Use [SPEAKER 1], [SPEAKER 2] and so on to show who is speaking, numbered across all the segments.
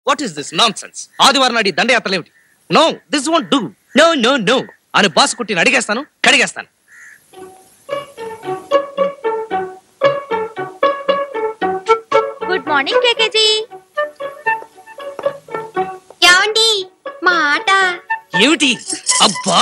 [SPEAKER 1] What is this nonsense? ఆదివారం నాడు దండయాత్రలు ఏమిటి? No, this won't do. No no no అని బాసు కుట్టిని అడిగేస్తాను, కడిగేస్తాను.
[SPEAKER 2] Good morning KKG. ఏమండి మా ఆట
[SPEAKER 1] ఏమిటి? అబ్బా!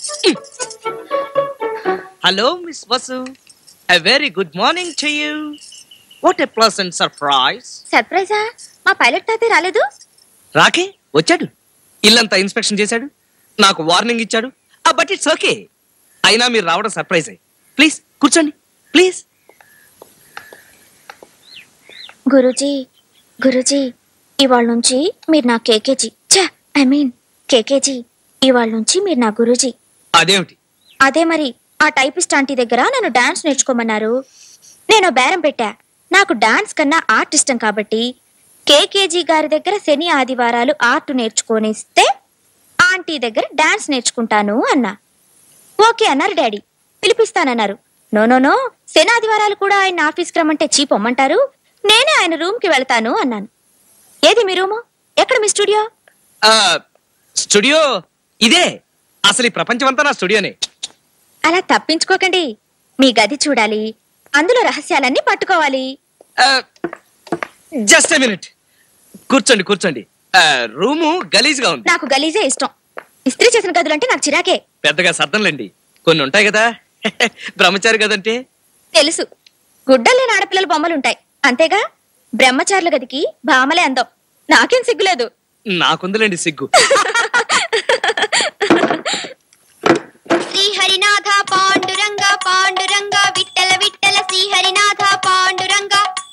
[SPEAKER 1] Hello miss Vasu, a very good morning to you. What a pleasant surprise.
[SPEAKER 2] సర్ప్రైజా? మా పైలట్ తాతే రాలేదు?
[SPEAKER 1] రాకే వచ్చాడు, ఇల్లంతా ఇన్స్పెక్షన్ చేశాడు, నాకు వార్నింగ్ ఇచ్చాడు. But it's okay. అయినా మీరు రావడం సర్ప్రైజ్ అయ్యి. ప్లీజ్ కూర్చోండి, ప్లీజ్.
[SPEAKER 2] గురూజీ, గురూజీ, ఇవాళ నుంచి మీరు నా కేకేజీ. కేకేజీ, ఇవాళ నుంచి మీరు నా గురూజీ.
[SPEAKER 1] అదేమిటి?
[SPEAKER 2] అదే మరి, ఆ టైపిస్ట్ ఆంటీ దగ్గర నన్ను డాన్స్ నేర్చుకోమన్నారు. నేను బేరం పెట్టా. నాకు డాన్స్ కన్నా ఆర్ట్ ఇష్టం కాబట్టి కేకేజీ గారి దగ్గర శని ఆదివారాలు ఆర్ట్ నేర్చుకోనిస్తే ఆంటీ దగ్గర డాన్స్ నేర్చుకుంటాను అన్నా. ఓకే అన్నారు డాడీ. పిలిపిస్తానన్నారు. నో నో నో, శని ఆదివారాలు కూడా ఆయన ఆఫీస్కి రమ్మంటే చీపొమ్మంటారు, నేనే ఆయన రూమ్ కి వెళ్తాను అన్నాను. ఏది మీ రూము? ఎక్కడ మీ స్టూడియో?
[SPEAKER 1] స్టూడియో ఇదే. అసలు ఈ ప్రపంచం అంతా నా స్టూడియోనే.
[SPEAKER 2] అలా తప్పించుకోకండి. మీ గది చూడాలి, అందులో రహస్యాలన్నీ పట్టుకోవాలి.
[SPEAKER 1] Just a minute. కూర్చోండి కూర్చోండి. రూము గలీజ్గా ఉంది.
[SPEAKER 2] నాకు గలీజే ఇష్టం. ఇస్త్రీ చేసిన గదులంటే నాకు చిరాకే.
[SPEAKER 1] పెద్దగా సర్దంలేండి, కొన్ని ఉంటాయి కదా. బ్రహ్మచారి గదంటే
[SPEAKER 2] తెలుసు. గుడ్డలేని ఆడపిల్లల బొమ్మలుంటాయి అంతేగా. బ్రహ్మచారుల గదికి భామలే అందం. నాకేం సిగ్గులేదు.
[SPEAKER 1] నాకుందిలేండి సిగ్గు.
[SPEAKER 2] శ్రీహరినాథ పాండురంగ పాండురంగ విట్టల విట్టల శ్రీహరినాథ పాండురంగ.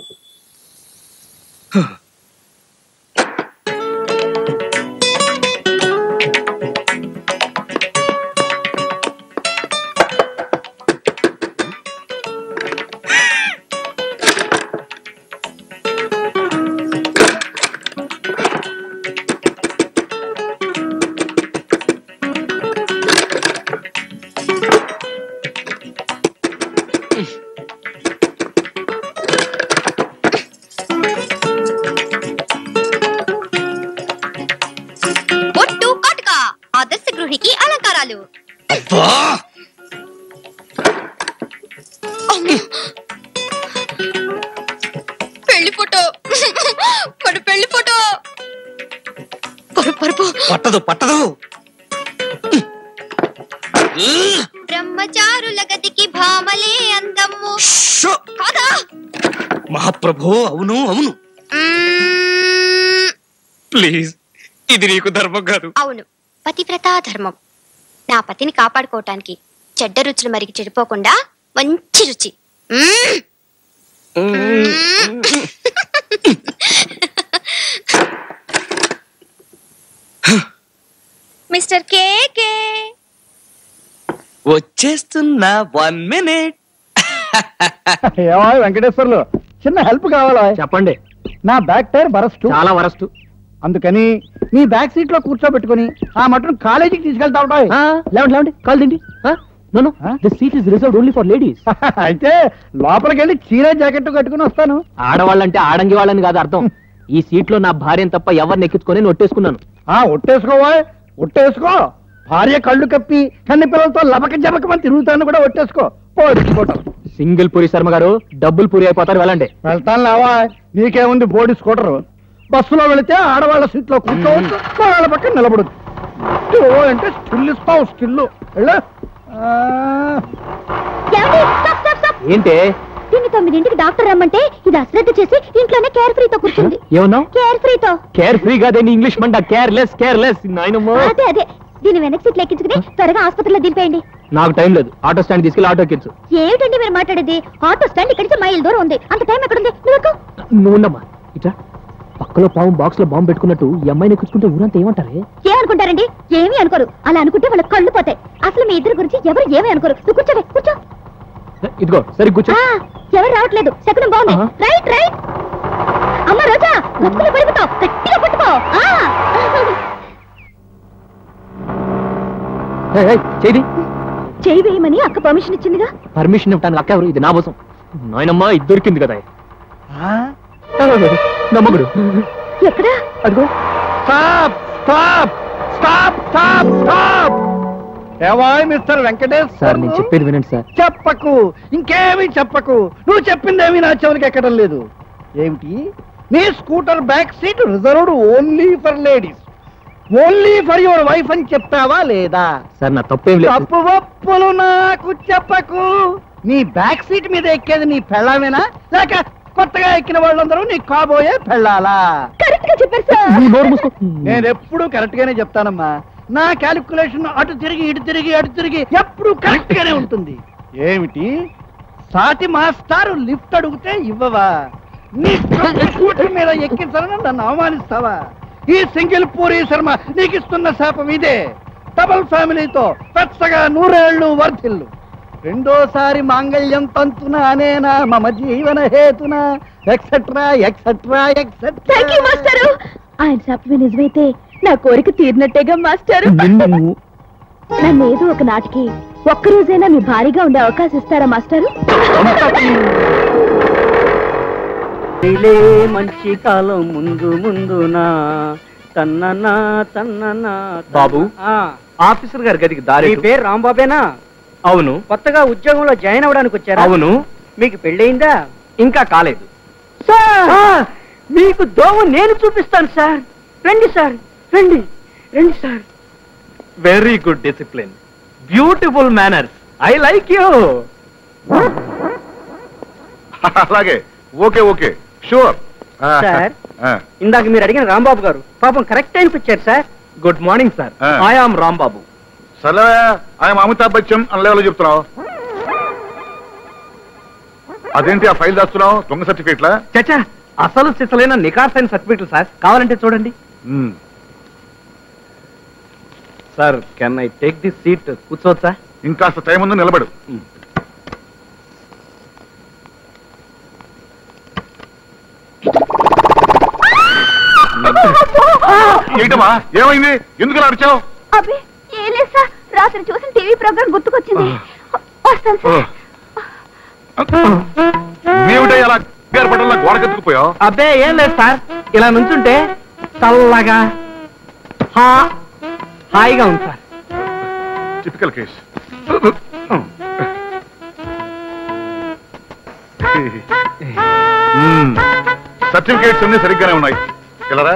[SPEAKER 2] ఆదర్శ గృహికి అలంకారాలు. పెళ్లి ఫోటో, మన పెళ్లి ఫోటో.
[SPEAKER 1] పట్టదు పట్టదు.
[SPEAKER 2] బ్రహ్మచారుల గదికి భామలే అందము కాదా?
[SPEAKER 1] మహాప్రభు, అవును అవును. ప్లీజ్, ఇది నీకు ధర్మం కాదు.
[SPEAKER 2] అవును, పతివ్రతా ధర్మం. నా పతిని కాపాడుకోవటానికి చెడ్డ రుచులు మరిగి చెడిపోకుండా మంచి రుచి. మిస్టర్ కేకే
[SPEAKER 1] వచ్చేస్తున్నా. 1 minute.
[SPEAKER 3] ఏమో వెంకటేశ్వర్లు, చిన్న హెల్ప్ కావాలా? చెప్పండి. నా బ్యాక్ టైర్ బరస్ట్, చాలా వరస్ట్. అందుకని మీ బ్యాక్ సీట్ లో కూర్చోబెట్టుకుని ఆ మటన్ కాలేజీకి తీసుకెళ్తా ఉంటాయి. లేవండి కాల్ తిండి. Seat is reserved only for ladies. అయితే లోపలికి వెళ్ళి చీర జాకెట్ కట్టుకుని వస్తాను. ఆడవాళ్ళంటే ఆడంగి వాళ్ళని కాదు అర్థం. ఈ సీట్ లో నా భార్యను తప్ప ఎవరిని ఎక్కించుకొని ఒట్టేసుకున్నాను. ఒట్టేసుకోవా? ఒట్టేసుకో. భార్య కళ్ళు కప్పి కన్ని పిల్లలతో లబక జబకమని తిరుగుతాను కూడా ఒట్టేసుకో. సింగిల్ పూరి శర్మ గారు, డబ్బుల్ పూరి అయిపోతారు. వెళ్ళండి. వెళ్తాను లేవా, నీకేముంది బోడి స్కూటరు. బస్సులో వెళితే ఆడవాళ్ళ సీట్ లో కూర్చోవచ్చు, వాళ్ళ పక్కన నిలబడదు. అంటే స్టిల్ ఇస్తావు, స్టిల్. ఏంటి?
[SPEAKER 2] దీన్ని 9ంటికి డాక్టర్ రమ్మంటే ఇది అశ్రద్ధ చేసి ఇంట్లోనే కేర్ ఫ్రీతో కూర్చుంది.
[SPEAKER 3] ఏమన్నా?
[SPEAKER 2] కేర్ ఫ్రీతో.
[SPEAKER 3] కేర్ ఫ్రీ కాదండి, ఇంగ్లీష్ మంట. Careless careless.
[SPEAKER 2] అదే అదే. దీన్ని వెనక్కి సీట్లు ఎక్కించుకుని త్వరగా ఆసుపత్రిలో దింపేయండి.
[SPEAKER 3] నాకు టైం లేదు. ఆటో స్టాండ్ తీసుకెళ్ళి ఆటో ఎక్కించు.
[SPEAKER 2] ఏమిటండి మీరు మాట్లాడేది? ఆటో స్టాండ్ ఇక్కడి నుంచి మైల్ దూరం ఉంది. అంత టైం ఎక్కడుంది?
[SPEAKER 3] నువ్వు ఉండమ్మా. ఇట్లా పక్కలో పాము బాక్స్ లో బాంబు పెట్టుకున్నట్టు ఈ అమ్మాయిని ఎక్కించుకుంటే ఊరంతా ఏమంటారే?
[SPEAKER 2] ఏమనుకుంటారండి? ఏమీ అనుకోరు. అలా అనుకుంటే వాళ్ళ కళ్ళు పోతాయి. అసలు మీ ఇద్దరు గురించి ఎవరు ఏమీ అనుకోరు. నువ్వు కూర్చోవే, కూర్చో.
[SPEAKER 3] ఇదిగో సరి కూర్చో.
[SPEAKER 2] ఎవరు రావట్లేదు. శకునం బాగుంది. Right right. అమ్మ రోజా, గతుకులు పడిపోతావు. గట్టిగా పట్టుకో. చేయి వేయమని అక్క పర్మిషన్ ఇచ్చిందిగా.
[SPEAKER 3] పర్మిషన్ ఇవ్వడానికి అక్క ఎవరు? ఇది నా కోసం. నాయనమ్మ ఇది దొరికింది కదా. నమ్మగుడు
[SPEAKER 2] ఎక్కడా?
[SPEAKER 3] అదిగో stop stop stop stop stop. ఏవాయ్ మిస్టర్ వెంకటేష్
[SPEAKER 1] సార్ నేను చెప్పేది వినండి సార్.
[SPEAKER 3] చెప్పకు, ఇంకేమీ చెప్పకు. నువ్వు చెప్పిందేమీ నా చెవులకి ఎక్కడం లేదు. ఏమిటి? నీ scooter back seat reserved only for ladies, only for your wife అని చెప్తావా లేదా?
[SPEAKER 1] సార్ నా తప్పేం లేదు.
[SPEAKER 3] తప్పు ఒప్పులు నాకు చెప్పకు. నీ బ్యాక్ సీట్ మీద ఎక్కేది నీ పెళ్ళామేనా, లేక కొత్తగా ఎక్కిన వాళ్ళందరూ నీ కాబోయే పెళ్ళాలా?
[SPEAKER 2] కరెక్ట్ గా చెప్పారు సార్.
[SPEAKER 3] నేను ఎప్పుడు కరెక్ట్ గానే చెప్తానమ్మా. నా క్యాలిక్యులేషన్ అటు తిరిగి ఇటు తిరిగి అటు తిరిగి ఎప్పుడు కరెక్ట్ గానే ఉంటుంది. ఏమిటి? సాటి మాస్టారు లిఫ్ట్ అడిగితే ఇవ్వవా? నీ స్కూటర్ మీద ఎక్కించాలని నన్ను అవమానిస్తావా? ఈ సింగిల్ పూరి శర్మ నీకు ఇస్తున్న శాపం ఇదే. డబుల్ ఫ్యామిలీతో పెచ్చగా 100 ఏళ్ళు వర్ధిల్లు. రెండోసారి మాంగళ్యం తంతున అనేనా మమ జీవన హేతున etcetera etcetera etcetera.
[SPEAKER 2] Thank you మాస్టారు. ఆయన చెప్పి నిజమైతే నా కోరిక తీరినట్టేగా మాస్టారు. నన్ను ఏదో ఒక నాటికి ఒక్కరోజైనా మీ భారీగా ఉండే అవకాశం ఇస్తారా మాస్టారు?
[SPEAKER 3] మంచి కాలం ముందు ముందునా తన్ననా తన్ననా.
[SPEAKER 1] బాబు, ఆఫీసర్ గారి గదికి దారి.
[SPEAKER 3] పేరు రాంబాబేనా?
[SPEAKER 1] అవును.
[SPEAKER 3] కొత్తగా ఉద్యోగంలో జాయిన్ అవ్వడానికి వచ్చారా?
[SPEAKER 1] అవును.
[SPEAKER 3] మీకు పెళ్ళయిందా?
[SPEAKER 1] ఇంకా కాలేదు.
[SPEAKER 3] సార్ మీకు దోమ నేను చూపిస్తాను సార్. రండి సార్, రండి రండి sir.
[SPEAKER 1] Very good discipline, beautiful manners. I like you.
[SPEAKER 4] అలాగే, ఓకే ఓకే, షూర్.
[SPEAKER 3] సార్ ఇందాక మీరు అడిగిన రాంబాబు గారు పాపం కరెక్ట్ టైంకి వచ్చారు సార్.
[SPEAKER 1] Good morning sir. I am Rambabu.
[SPEAKER 4] సరే, ఆయన అమితాబ్ బచ్చన్ అన్న లెవెల్లో చెప్తున్నావు. అదేంటి ఆ ఫైల్ దాస్తున్నావు? దొంగ సర్టిఫికేట్లా?
[SPEAKER 1] చచ్చా, అసలు సిసలైన నికార్సైన సర్టిఫికెట్లు సార్. కావాలంటే చూడండి. Sir, can I take this seat? కూర్చోవచ్చా?
[SPEAKER 4] ఇంకాస్త టైం ఉందో నిలబడు. ఏంటమ్మా, ఏమైంది? ఎందుకు అరిచావు?
[SPEAKER 2] అబ్బే ఏం లేదు సార్, రాత్రి చూసిన టీవీ ప్రోగ్రామ్ గుర్తుకొచ్చింది. వస్తాను సార్.
[SPEAKER 4] ఏమిటో అలా పట్టణంలో గోడకెత్తుకుపోయావు?
[SPEAKER 1] అబ్బే ఏం లేదు సార్, ఇలా నుంచుంటే చల్లగా హాయిగా ఉంది సార్.
[SPEAKER 4] Typical case. సర్టిఫికేట్స్ అన్ని సరిగ్గానే ఉన్నాయి. ఇలా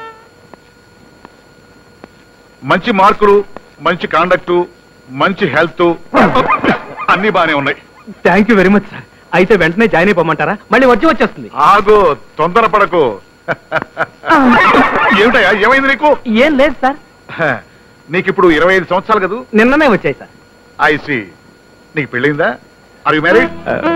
[SPEAKER 4] మంచి మార్కులు, మంచి కాండక్టు, మంచి హెల్త్ అన్ని బానే ఉన్నాయి.
[SPEAKER 1] Thank you very much sir. అయితే వెంటనే జాయిన్ అయిపోమంటారా? మళ్ళీ వచ్చేస్తుంది.
[SPEAKER 4] ఆగు, తొందరపడకు. ఏమిటయ్యా, ఏమైంది నీకు?
[SPEAKER 1] ఏం లేదు సార్.
[SPEAKER 4] నీకు ఇప్పుడు 25 సంవత్సరాలు కదా?
[SPEAKER 1] నిన్ననే వచ్చాయి సార్.
[SPEAKER 4] ఐసి. నీకు పెళ్ళిందా? Are you married?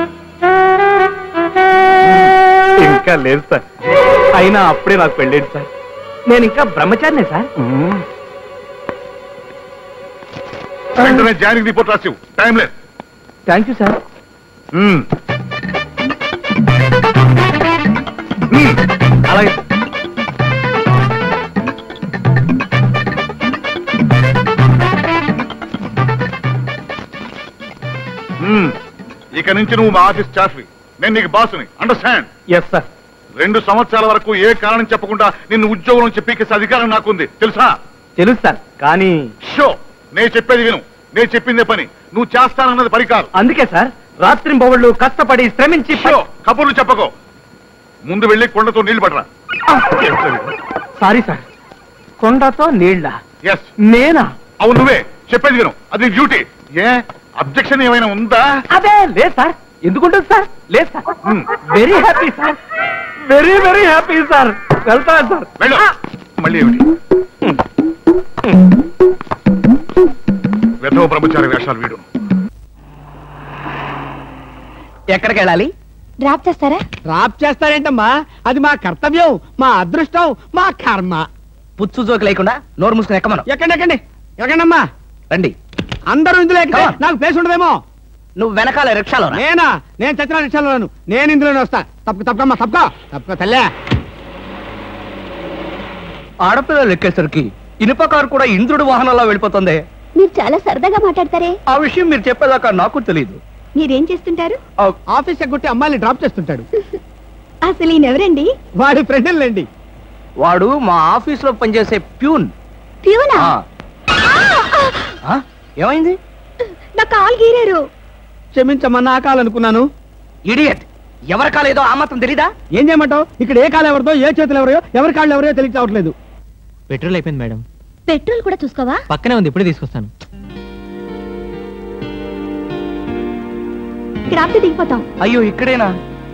[SPEAKER 1] ఇంకా లేదు సార్. అయినా అప్పుడే నాకు పెళ్ళేది సార్. నేను ఇంకా బ్రహ్మచారినే సార్.
[SPEAKER 4] వెంటనే జాయినింగ్ రిపోర్ట్ రాసివు, టైం లేదు.
[SPEAKER 1] Thank you sir. అలాగే.
[SPEAKER 4] ఇక నుంచి నువ్వు మా ఆఫీస్ స్టాఫ్వి, నేను నీకు బాసుని. అండర్స్టాండ్?
[SPEAKER 1] Yes sir.
[SPEAKER 4] 2 సంవత్సరాల వరకు ఏ కారణం చెప్పకుండా నిన్ను ఉద్యోగం నుంచి పీకేసే అధికారం నాకుంది, తెలుసా?
[SPEAKER 1] తెలుసు సార్, కానీ
[SPEAKER 4] షో, నేను చెప్పేది విను. నేను చెప్పిందే పని, నువ్వు చేస్తానన్నది పని కాదు.
[SPEAKER 1] అందుకే సార్ రాత్రింబవళ్ళు కష్టపడి శ్రమించి.
[SPEAKER 4] షో, కబుర్లు చెప్పకో. ముందు వెళ్ళి కొండతో నీళ్లు పడరా.
[SPEAKER 1] సారీ సార్, కొండతో నీళ్ళ?
[SPEAKER 4] ఎస్.
[SPEAKER 1] నేనా?
[SPEAKER 4] అవును, నువ్వే. చెప్పేది విను, అది డ్యూటీ. ఏ అబ్జెక్షన్ ఏమైనా ఉందా?
[SPEAKER 1] అదే లేదు సార్. ఎందుకుంటుంది సార్? లేదు sir. Very happy sir, very very happy sir. వెళ్తాను సార్.
[SPEAKER 4] వెళ్ళు. మళ్ళీ ఏమిటి వెధవ బ్రహ్మచారి వేషాలు వీడు?
[SPEAKER 1] ఎక్కడికి వెళ్ళాలి?
[SPEAKER 2] డ్రాప్ చేస్తారా?
[SPEAKER 3] డ్రాప్ చేస్తారేంటమ్మా, అది మా కర్తవ్యం, మా అదృష్టం, మా కర్మ.
[SPEAKER 1] పుచ్చు జోకి లేకుండా నోరు మూసుకుని ఎక్కమను.
[SPEAKER 3] ఎక్కండి ఎక్కండి ఎక్కండమ్మా.
[SPEAKER 1] రండి.
[SPEAKER 3] అందరూ ఇందులో ఎక్కితే నాకు ప్లేస్ ఉండదేమో.
[SPEAKER 1] నువ్వు వెనకాల రిక్షాలో?
[SPEAKER 3] నేనా? నేను చచ్చిన రిక్షాలోను. నేను ఇందులోనే వస్తా. తప్పకమ్మా, తప్పక తల్లే.
[SPEAKER 1] ఆడపిల్లలు ఎక్కేసరికి ఇనుప కారు కూడా ఇంద్రుడు వాహనంలో వెళ్ళిపోతుంది.
[SPEAKER 2] మీరు చాలా సరదాగా మాట్లాడతారే.
[SPEAKER 1] ఆ విషయం మీరు చెప్పేదాకా నాకు తెలియదు.
[SPEAKER 2] మీరేం చేస్తుంటారు?
[SPEAKER 3] ఆఫీస్ ఎగ్గొట్టి అమ్మాయిని డ్రాప్ చేస్తుంటాడు.
[SPEAKER 2] అసలు ఈయనెవరండి?
[SPEAKER 3] వాడి ఫ్రెండ్లండి.
[SPEAKER 1] వాడు మా ఆఫీస్ లో పనిచేసే ప్యూన్.
[SPEAKER 2] ప్యూనా?
[SPEAKER 1] ఏమైంది?
[SPEAKER 2] నా కాలు గీరారు.
[SPEAKER 3] క్షమించమ్మా, నా కాలనుకున్నాను.
[SPEAKER 1] ఇడియట్, ఎవరి కాలేదో ఆ మాత్రం తెలీదా?
[SPEAKER 3] ఏం చేయమంటావు? ఇక్కడ ఏ కాలు ఎవరిదో, ఏ చేతులు ఎవరో, ఎవరి కాళ్ళు ఎవరో తెలిసి రావట్లేదు.
[SPEAKER 5] పెట్రోల్ అయిపోయింది మేడం.
[SPEAKER 2] పెట్రోల్ కూడా చూసుకోవా?
[SPEAKER 5] పక్కనే ఉంది, ఇప్పుడే తీసుకొస్తాను.
[SPEAKER 2] ఇక్కడ ఆపితే దిగిపోతాం.
[SPEAKER 1] అయ్యో, ఇక్కడేనా?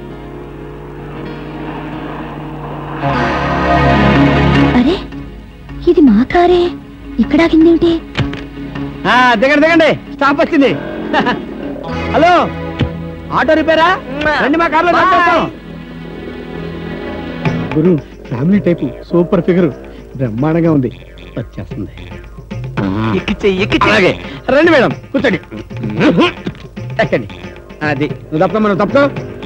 [SPEAKER 2] అరే, ఇది మా కారే. ఇక్కడ ఆగిందేమిటి?
[SPEAKER 3] దిగండి దిగండి, స్టాప్ వచ్చింది. హలో, ఆటో రిపేరా? రండి, మా కార్లో గురు. ఫ్యామిలీ టైపు, సూపర్ ఫిగర్, బ్రహ్మాండంగా ఉంది. వచ్చేస్తుంది. అలాగే రండి మేడం, కూర్చోండి. ఎక్కండి. అది నువ్వు తప్ప, మనం తప్ప.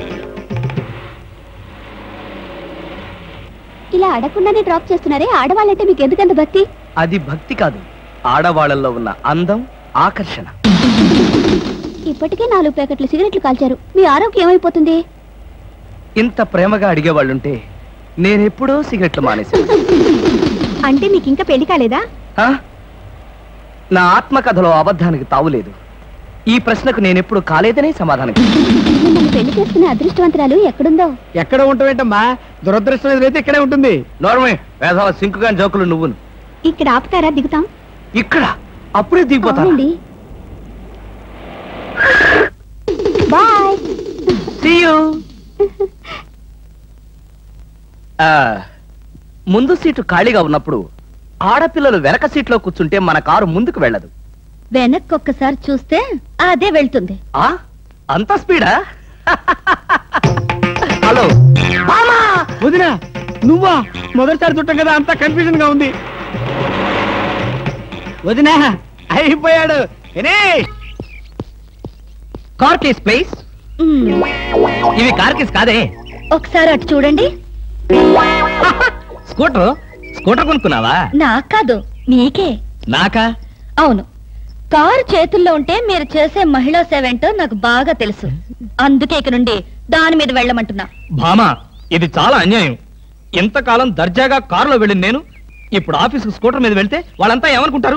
[SPEAKER 2] ఇలా అడగకుండానే డ్రాప్ చేస్తున్నారే, ఆడవాళ్ళంటే మీకు ఎందుకంత భక్తి?
[SPEAKER 1] అది భక్తి కాదు, ఆడవాళ్ళల్లో ఉన్న అందం, ఆకర్షణ.
[SPEAKER 2] ఇప్పటికే 4 ప్యాకెట్లు సిగరెట్లు కాల్చారు. మీ ఆరోగ్యం ఏమైపోతుంది?
[SPEAKER 1] ఇంత ప్రేమగా అడిగేవాళ్ళుంటే నేనెప్పుడో సిగరెట్లు మానేశాను.
[SPEAKER 2] అంటే మీకు ఇంకా పెళ్లి కాలేదా?
[SPEAKER 1] నా ఆత్మకథలో అబద్ధానికి తావులేదు. ఈ ప్రశ్నకు నేనెప్పుడు కాలేదనే సమాధానం.
[SPEAKER 2] మిమ్మల్ని పెళ్లి చేసుకునే అదృష్టవంతరాలు ఎక్కడుందో?
[SPEAKER 3] ఎక్కడ ఉంటావేంటమ్మా, దురదృష్టం అయితే ఇక్కడే ఉంటుంది.
[SPEAKER 1] నోర్మే, వేసవ సింకుగా జోకులు నువ్వును.
[SPEAKER 2] ఇక్కడ ఆపుతారా? దిగుతాం.
[SPEAKER 1] ఇక్కడ అప్పుడే దిగిపోతా.
[SPEAKER 2] బాయ్.
[SPEAKER 1] See you. ముందు సీటు ఖాళీగా ఉన్నప్పుడు ఆడపిల్లలు వెనక సీట్లో కూర్చుంటే మన కారు ముందుకు వెళ్ళదు.
[SPEAKER 2] వెనక్కి ఒక్కసారి చూస్తే అదే వెళ్తుంది.
[SPEAKER 1] అంత స్పీడా? హలో
[SPEAKER 3] వదినా, నువ్వా? మొదటిసారి చుట్టం కదా, అంత కన్ఫ్యూజన్ గా ఉంది. వదినా, అయిపోయాడు.
[SPEAKER 1] Car case please. ఇవి కార్ కేస్ కాదే.
[SPEAKER 2] ఒకసారి అటు చూడండి.
[SPEAKER 1] స్కూటర్ కొనుక్కున్నావా?
[SPEAKER 2] నాకు కాదు, మీకే.
[SPEAKER 1] నాకా?
[SPEAKER 2] అవును. కారు చేతుల్లో ఉంటే మీరు చేసే మహిళా సేవ ఏంటో నాకు బాగా తెలుసు. అందుకే ఇక నుండి దాని మీద వెళ్ళమంటున్నా.
[SPEAKER 5] భామా, ఇది చాలా అన్యాయం. ఎంతకాలం దర్జాగా కారులో వెళ్ళింది నేను, ఇప్పుడు ఆఫీసుకు స్కూటర్ మీద వెళ్తే వాళ్ళంతా ఏమనుకుంటారు?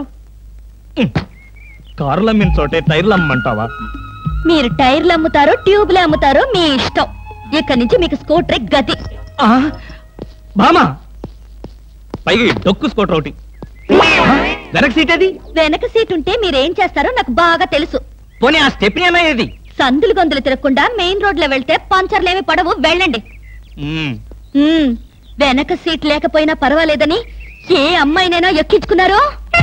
[SPEAKER 5] కారులు అమ్మిన చోటే టైర్లు అమ్మంటావా?
[SPEAKER 2] మీరు టైర్లు అమ్ముతారో ట్యూబ్లు అమ్ముతారో మీ ఇష్టం. ఇక్కడి నుంచి మీకు స్కూటర్ గతి.
[SPEAKER 5] భామా, పైగా డొక్కు స్కూటర్ ఒకటి. వెనక సీట్ అది?
[SPEAKER 2] వెనక సీట్ ఉంటే మీరేం చేస్తారో నాకు బాగా తెలుసు.
[SPEAKER 5] పోనీ ఆ స్టెప్ని ఏమయ్యేది?
[SPEAKER 2] సందులు గొంతులు తిరగకుండా మెయిన్ రోడ్ లో వెళ్తే పంచర్లేమి పడవు, వెళ్ళండి. వెనక సీట్ లేకపోయినా పర్వాలేదని ఏ అమ్మాయినైనా ఎక్కించుకున్నారో?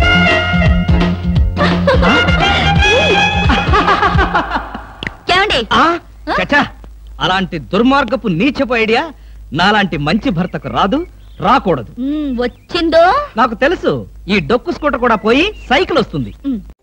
[SPEAKER 2] ఏమండి?
[SPEAKER 5] అలాంటి దుర్మార్గపు నీచపు ఐడియా నాలాంటి మంచి భర్తకు రాదు, రాకూడదు.
[SPEAKER 2] వచ్చిందో?
[SPEAKER 5] నాకు తెలుసు. ఈ డొక్కు స్కూటర్ కూడా పోయి సైకిల్ వస్తుంది.